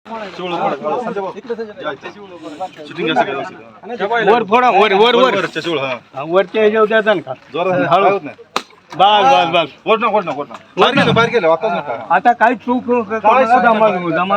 वर फोडा वर वर वर वरच्या ह्याच्यावर द्यायचा ना का हळू बस बस बस बाहेर गेलं आता काही चूक दमान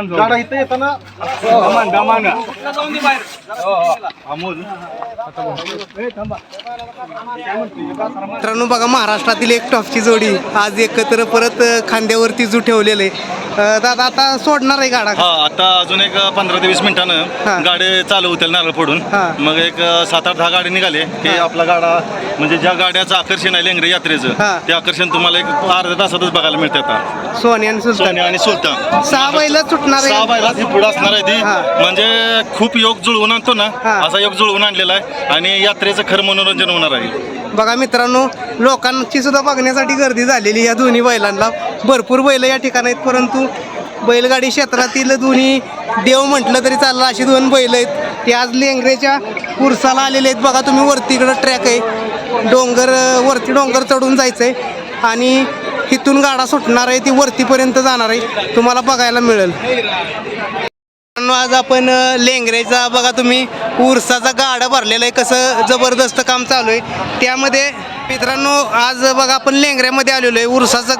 मित्रांनो बघा महाराष्ट्रातील एक टॉपची जोडी आज एकत्र परत खांद्यावरती जू ठेवलेले दादा आता सोडणार आहे गाडा आता अजून एक 15 ते 20 मिनिटानं गाडी चालू होतील नारळ फोडून मग एक 7-8-10 गाडी निघाले की आपला गाडा म्हणजे ज्या गाड्याचं आकर्षण आहे लेंगरे यात्रेचं ते आकर्षण तुम्हाला एक अर्ध्या तासातच बघायला मिळते आता सोनी आणि सुलतान 6 बैल सुटणार आहे 6 बैलात ही पुढे असणार आहे ती म्हणजे खूप योग जुळवून आणतो ना असा योग जुळवून आणलेला आहे आणि यात्रेचं खरं मनोरंजन होणार आहे बघा मित्रांनो लोकांची सुद्धा बघण्यासाठी गर्दी झालेली या दोन्ही बैलांना भरपूर बैल या ठिकाणी आहेत परंतु बैलगाडी क्षेत्रातील दोन्ही देव म्हटलं तरी चाललं अशी 2 बैल आहेत ते आज लेंगरेच्या उरसाला आलेले आहेत बघा तुम्ही वरती इकडं ट्रॅक आहे वरती डोंगर चढून जायचं आहे आणि इथून गाडा सुटणार आहे ती वरतीपर्यंत जाणार आहे तुम्हाला बघायला मिळेल आज आपण लेंगरेचा बघा तुम्ही उरसाचा गाडा भरलेला आहे कसं जबरदस्त काम चालू आहे त्यामध्ये मित्रांनो आज बघा आपण लेंगऱ्यामध्ये आलेलो आहे उरसाचा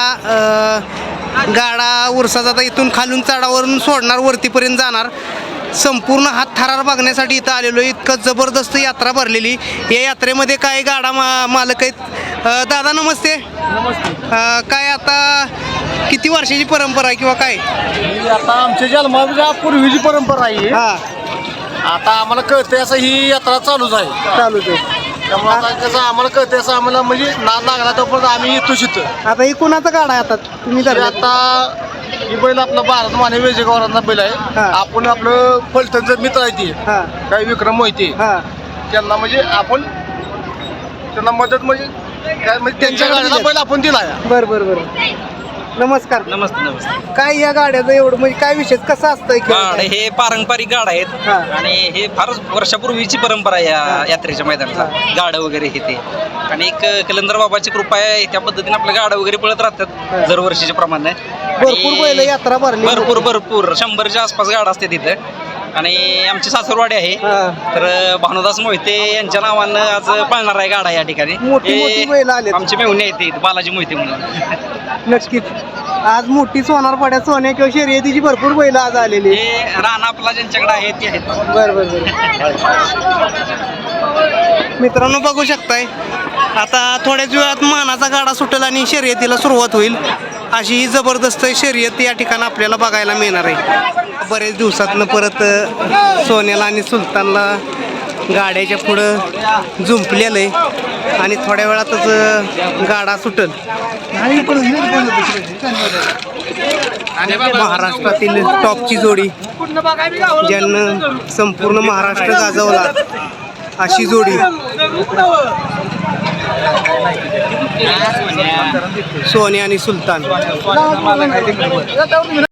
गाडा उरसाचा आता इथून खालून चढावरून सोडणार वरतीपर्यंत जाणार संपूर्ण हात थरार बघण्यासाठी इथं आलेलो आहे इतकं जबरदस्त यात्रा भरलेली या यात्रेमध्ये काय गाडा मालक आहेत दादा नमस्ते काय आता किती वर्षाची परंपरा आहे किंवा काय आता आमच्या जन्माच्या पूर्वीची परंपरा आहे आता आम्हाला कळते असं ही यात्रा चालूच आहे त्यामुळे आता कसं आम्हाला कळते असं आम्हाला म्हणजे नाद लागला तोपर्यंत आम्ही येतो तिथं आता ही कुणाचा गाडा आहे आता तुम्ही आता ही बैल आपला भारत माने वेजेगावरांचा बैल आहे आपण आपलं फलटणचं मित्र आहे ते काही विक्रम मोहिते त्यांना म्हणजे आपण त्यांना मदत म्हणजे काय म्हणजे त्यांच्या गाडीला बैल आपण दिला बरं नमस्कार नमस्ते काय या गाड्याचं एवढं म्हणजे काय विशेष कसं असतंय गाड हे पारंपरिक गाड आहेत आणि हे फारच वर्षापूर्वीची परंपरा आहे या यात्रेच्या मैदानाला गाड वगैरे हे ते आणि एक कलंदर बाबाची कृपा आहे त्या पद्धतीने आपलं गाड वगैरे पळत राहतात दरवर्षीच्या प्रमाणे भरपूर बैल यात्रा भरली भरपूर 100च्या आसपास गाड असते तिथं आणि आमची सासरवाडी आहे तर भानुदास मोहिते यांच्या नावानं आज पळणार आहे गाडा या ठिकाणी मोठी बैल आले आमची मेहुणे आहेत बालाजी मोहिते म्हणून नक्कीच आज मोठी सोनार पाड्या सोन्या किंवा शर्यतीची भरपूर बैल आज आलेली हे राणा आपला ज्यांच्याकडे आहे ते आहेत बरं मित्रांनो बघू शकताय आता थोड्याच वेळात मानाचा गाडा सुटेल आणि शर्यतीला सुरुवात होईल अशी ही जबरदस्त शर्यत या ठिकाणी आपल्याला बघायला मिळणार आहे बरेच दिवसातनं परत सोन्याला आणि सुलतानला गाड्याच्या पुढं झुंपलेलं आहे आणि थोड्या वेळातच गाडा सुटेल महाराष्ट्रातील टॉपची जोडी ज्यांना संपूर्ण महाराष्ट्र गाजवला अशी जोडी सोन्या आणि सुलतान